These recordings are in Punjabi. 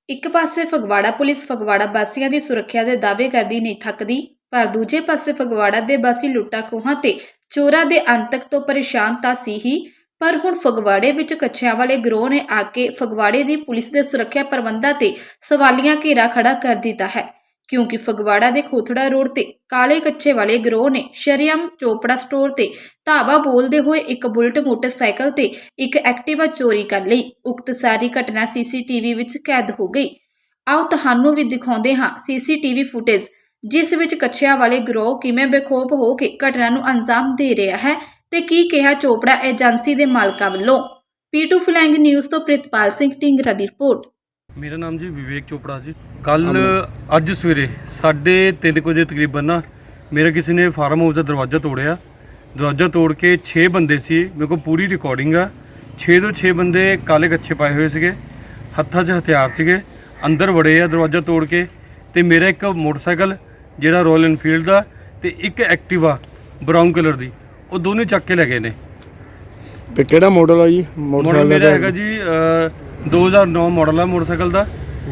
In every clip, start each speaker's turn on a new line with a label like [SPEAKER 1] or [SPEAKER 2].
[SPEAKER 1] ਇੱਕ ਪਾਸੇ ਫਗਵਾੜਾ ਪੁਲਿਸ ਫਗਵਾੜਾ ਵਾਸੀਆਂ ਦੀ ਸੁਰੱਖਿਆ ਦੇ ਦਾਅਵੇ ਕਰਦੀ ਨਹੀਂ ਥੱਕਦੀ, ਪਰ ਦੂਜੇ ਪਾਸੇ ਫਗਵਾੜਾ ਦੇ ਵਾਸੀ ਲੁੱਟਾਂ ਖੋਹਾਂ ਤੇ ਚੋਰਾਂ ਦੇ ਅੰਤਕ ਤੋਂ ਪਰੇਸ਼ਾਨ ਤਾਂ ਸੀ ਹੀ, ਪਰ ਹੁਣ ਫਗਵਾੜੇ ਵਿੱਚ ਕੱਛਿਆਂ ਵਾਲੇ ਗਰੋਹ ਨੇ ਆ ਕੇ ਫਗਵਾੜੇ ਦੀ ਪੁਲਿਸ ਦੇ ਸੁਰੱਖਿਆ ਪ੍ਰਬੰਧਾਂ ਤੇ ਸਵਾਲੀਆ ਘੇਰਾ ਖੜਾ ਕਰ ਦਿੱਤਾ ਹੈ। ਕਿਉਂਕਿ ਫਗਵਾੜਾ ਦੇ ਖੋਥੜਾ ਰੋਡ ਤੇ ਕਾਲੇ ਕੱਛੇ ਵਾਲੇ ਗਰੋਹ ਨੇ ਸ਼ਰੇਆਮ ਚੋਪੜਾ ਸਟੋਰ ਤੇ ਧਾਵਾ ਬੋਲਦੇ ਹੋਏ ਇੱਕ ਬੁਲਟ ਮੋਟਰਸਾਈਕਲ ਤੇ ਇੱਕ ਐਕਟਿਵਾ ਚੋਰੀ ਕਰ ਲਈ। ਉਕਤ ਸਾਰੀ ਘਟਨਾ ਸੀਸੀਟੀਵੀ ਵਿੱਚ ਕੈਦ ਹੋ ਗਈ। ਆਓ ਤੁਹਾਨੂੰ ਵੀ ਦਿਖਾਉਂਦੇ ਹਾਂ ਸੀਸੀਟੀਵੀ ਫੁਟੇਜ, ਜਿਸ ਵਿੱਚ ਕੱਛਿਆਂ ਵਾਲੇ ਗਰੋਹ ਕਿਵੇਂ ਬੇਖੌਫ ਹੋ ਕੇ ਘਟਨਾ ਨੂੰ ਅੰਜਾਮ ਦੇ ਰਿਹਾ ਹੈ ਤੇ ਕੀ ਕਿਹਾ ਚੋਪੜਾ ਏਜੰਸੀ ਦੇ ਮਾਲਕਾਂ ਵੱਲੋਂ। P2 ਫਲੈਂਗ ਨਿਊਜ਼ ਤੋਂ ਪ੍ਰਿਤਪਾਲ ਸਿੰਘ ਢਿੰਗਰਾ ਦੀ ਰਿਪੋਰਟ।
[SPEAKER 2] मेरा नाम जी विवेक चोपड़ा जी। कल अज सवेरे 3:30 बजे तकरीबन ना मेरा किसी ने फार्म हाउस का दरवाज़ा तोड़िया। दरवाज़ा तोड़ के 6 बंदे सी, मेरे को पूरी रिकॉर्डिंग आ। 6 तो 6 बंदे काले कच्छे पाए हुए सीगे, हत्थां 'च हथियार सीगे, अंदर वड़े आ दरवाज़ा तोड़ के। ते मेरा एक मोटरसाइकिल जिहड़ा रॉयल एनफील्ड दा ते एक एक्टिवा ब्राउन कलर दी, वो दोनों चक के ले गए ने।
[SPEAKER 3] ਤੇ ਕਿਹੜਾ ਮਾਡਲ ਆ ਜੀ?
[SPEAKER 2] मॉडल मेरा हैगा जी 2009 मॉडल है मोटरसाइकिल का।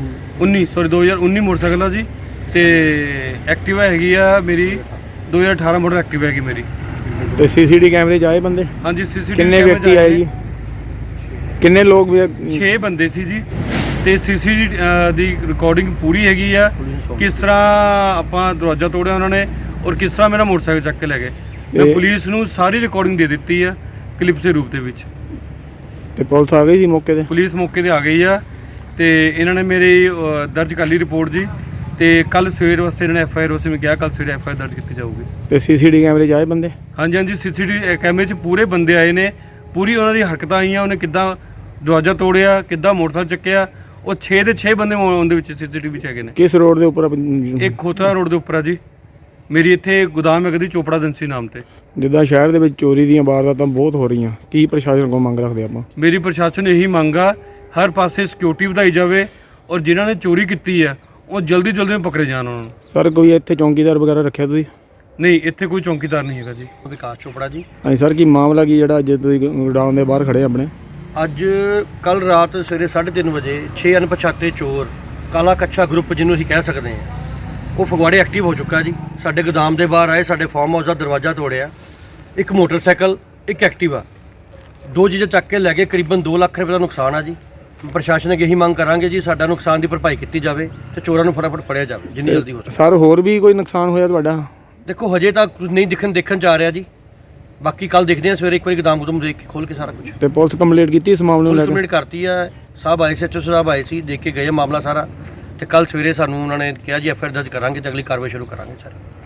[SPEAKER 2] 2019 मोटरसाइकिल है जी। ते एक्टिवा हैगी आ मेरी 2018 मॉडल एक्टिवा हैगी मेरी।
[SPEAKER 3] ਤੇ ਸੀਸੀਟੀ ਕੈਮਰੇ 'ਚ ਆਏ ਬੰਦੇ?
[SPEAKER 2] हाँ जी सीसीटीवी
[SPEAKER 3] ਕਿੰਨੇ ਵਿਅਕਤੀ ਆਏ ਜੀ? ਕਿੰਨੇ ਲੋਕ ਵੀ
[SPEAKER 2] 6 ਬੰਦੇ ਸੀ ਜੀ। ਤੇ ਸੀਸੀਟੀ ਦੀ ਰਿਕਾਰਡਿੰਗ ਪੂਰੀ ਹੈਗੀ ਆ, ਕਿਸ ਤਰ੍ਹਾਂ ਆਪਾਂ ਦਰਵਾਜ਼ਾ ਤੋੜਿਆ ਉਹਨਾਂ ਨੇ ਔਰ ਕਿਸ ਤਰ੍ਹਾਂ ਮੇਰਾ ਮੋਟਰਸਾਈਕਲ ਚੱਕ ਕੇ ਲੈ ਗਏ। ਮੈਂ ਪੁਲਿਸ ਨੂੰ ਸਾਰੀ ਰਿਕਾਰਡਿੰਗ ਦੇ ਦਿੱਤੀ ਆ ਕਲਿੱਪ ਦੇ ਰੂਪ ਦੇ ਵਿੱਚ।
[SPEAKER 3] ਤੇ ਪੁਲਿਸ ਆ ਗਈ ਸੀ ਮੌਕੇ ਤੇ?
[SPEAKER 2] ਪੁਲਿਸ ਮੌਕੇ ਤੇ ਆ ਗਈ ਆ ਤੇ ਇਹਨਾਂ ਨੇ ਮੇਰੀ ਦਰਜ ਕਰ ਲਈ ਰਿਪੋਰਟ ਜੀ। ਤੇ ਕੱਲ ਸਵੇਰ ਵਾਸਤੇ ਇਹਨਾਂ ਨੇ ਐਫਆਈਆਰ ਵਾਸਤੇ ਮੈਂ ਕਿਹਾ ਕੱਲ ਸਵੇਰੇ ਐਫਆਈਆਰ ਦਰਜ ਕੀਤੀ ਜਾਊਗੀ।
[SPEAKER 3] ਤੇ ਸੀਸੀਟੀ ਕੈਮਰੇ 'ਚ ਆਏ ਬੰਦੇ?
[SPEAKER 2] ਹਾਂਜੀ ਹਾਂਜੀ ਸੀਸੀਟੀਵੀ ਕੈਮਰੇ 'ਚ ਪੂਰੇ ਬੰਦੇ ਆਏ ਨੇ, ਪੂਰੀ ਉਹਨਾਂ ਦੀ ਹਰਕਤਾਂ ਆਈਆਂ, ਉਹਨੇ ਕਿੱਦਾਂ ਦਰਵਾਜ਼ਾ ਤੋੜਿਆ, ਕਿੱਦਾਂ ਮੋਟਰਸਾਈਕਲ ਚੱਕਿਆ। ਉਹ 6 ਦੇ 6 ਬੰਦੇ ਉਹਦੇ ਵਿੱਚ ਸੀਸੀਟੀਵੀ 'ਚ ਹੈਗੇ ਨੇ।
[SPEAKER 3] ਕਿਸ ਰੋਡ ਦੇ ਉੱਪਰ?
[SPEAKER 2] ਇੱਕ ਖੋਤਰਾ ਰੋਡ ਦੇ ਉੱਪਰ ਆ ਜੀ। ਮੇਰੀ ਇੱਥੇ ਗੋਦਾਮ ਹੈਗਾ ਜੀ ਚੋਪੜਾ ਏਜੰਸੀ ਨਾਮ ਤੇ।
[SPEAKER 3] ਜਿੱਦਾਂ ਸ਼ਹਿਰ ਦੇ ਵਿੱਚ ਚੋਰੀ ਦੀਆਂ ਵਾਰਦਾਤਾਂ ਬਹੁਤ ਹੋ ਰਹੀਆਂ, ਕੀ ਪ੍ਰਸ਼ਾਸਨ ਕੋਲ ਮੰਗ ਰੱਖਦੇ ਆਪਾਂ?
[SPEAKER 2] ਮੇਰੀ ਪ੍ਰਸ਼ਾਸਨ ਇਹੀ ਮੰਗ ਆ, ਹਰ ਪਾਸੇ ਸਿਕਿਉਰਿਟੀ ਵਧਾਈ ਜਾਵੇ ਔਰ ਜਿਨ੍ਹਾਂ ਨੇ ਚੋਰੀ ਕੀਤੀ ਆ ਉਹ ਜਲਦੀ ਪਕੜੇ ਜਾਣ ਉਹਨਾਂ ਨੂੰ।
[SPEAKER 3] ਸਰ ਕੋਈ ਇੱਥੇ ਚੌਂਕੀਦਾਰ ਵਗੈਰਾ ਰੱਖਿਆ ਤੁਸੀਂ?
[SPEAKER 2] ਨਹੀਂ, ਇੱਥੇ ਕੋਈ ਚੌਂਕੀਦਾਰ ਨਹੀਂ ਹੈਗਾ ਜੀ।
[SPEAKER 4] ਵਿਕਾਸ ਚੋਪੜਾ ਜੀ।
[SPEAKER 3] ਹਾਂਜੀ ਸਰ, ਕੀ ਮਾਮਲਾ ਕੀ ਜਿਹੜਾ ਅੱਜ ਤੁਸੀਂ ਗੋਡਾਊਨ ਦੇ ਬਾਹਰ ਖੜੇ ਆਪਣੇ?
[SPEAKER 4] ਅੱਜ ਕੱਲ ਰਾਤ ਸਵੇਰੇ 3:30 ਵਜੇ 6 ਅਣਪਛਾਤੇ ਚੋਰ, ਕਾਲਾ ਕੱਛਾ ਗਰੁੱਪ ਜਿਹਨੂੰ ਅਸੀਂ ਕਹਿ ਸਕਦੇ ਹਾਂ, ਉਹ ਫਗਵਾੜੇ ਐਕਟਿਵ ਹੋ ਚੁੱਕਾ ਜੀ। ਸਾਡੇ ਗੋਦਾਮ ਦੇ ਬਾਹਰ ਆਏ, ਸਾਡੇ ਫਾਰਮ ਹਾਊਸ ਦਾ ਦਰਵਾਜ਼ਾ ਤੋੜਿਆ, ਇੱਕ ਮੋਟਰਸਾਈਕਲ, ਇੱਕ ਐਕਟਿਵਾ, 2 ਚੀਜ਼ਾਂ ਚੱਕ ਕੇ ਲੈ ਗਏ। ਕਰੀਬਨ 2 ਲੱਖ ਰੁਪਏ ਦਾ ਨੁਕਸਾਨ ਆ ਜੀ। ਪ੍ਰਸ਼ਾਸਨ ਅੱਗੇ ਇਹੀ ਮੰਗ ਕਰਾਂਗੇ ਜੀ, ਸਾਡਾ ਨੁਕਸਾਨ ਦੀ ਭਰਪਾਈ ਕੀਤੀ ਜਾਵੇ ਤੇ ਚੋਰਾਂ ਨੂੰ ਫਟਾਫਟ ਫੜਿਆ ਜਾਵੇ ਜਿੰਨੀ ਜਲਦੀ ਹੋ ਸਕੇ।
[SPEAKER 3] ਸਰ ਹੋਰ ਵੀ ਕੋਈ ਨੁਕਸਾਨ ਹੋਇਆ ਤੁਹਾਡਾ?
[SPEAKER 4] ਦੇਖੋ ਹਜੇ ਤੱਕ ਨਹੀਂ ਦੇਖਣ ਚ ਆ ਰਿਹਾ ਜੀ। ਬਾਕੀ ਕੱਲ ਦੇਖਦੇ ਹਾਂ ਸਵੇਰੇ, ਇੱਕ ਵਾਰੀ ਗੋਦਾਮ ਗੁਦਮ ਦੇਖ ਕੇ ਖੋਲ ਕੇ ਸਾਰਾ ਕੁਝ।
[SPEAKER 3] ਤੇ ਪੁਲਿਸ ਕੰਪਲੀਟ ਕੀਤੀ ਇਸ ਮਾਮਲੇ ਨੂੰ ਲੈ ਕੇ?
[SPEAKER 4] ਕੰਪਲੀਟ ਕਰਤੀ ਆ, ਸਾਹਿਬ ਆਏ ਸੀ, ਐਚਓ ਸਾਹਿਬ ਆਏ ਸੀ, ਦੇਖ ਕੇ ਗਏ ਮਾਮਲਾ ਸਾਰਾ। ਤੇ ਕੱਲ ਸਵੇਰੇ ਸਾਨੂੰ ਉਹਨਾਂ ਨੇ ਕਿਹਾ ਜੀ ਐਫਆਈਆਰ ਦਰਜ ਕਰਾਂਗੇ ਤੇ ਅਗਲੀ ਕਾਰਵਾਈ ਸ਼ੁਰੂ ਕਰਾਂਗੇ ਸਰ।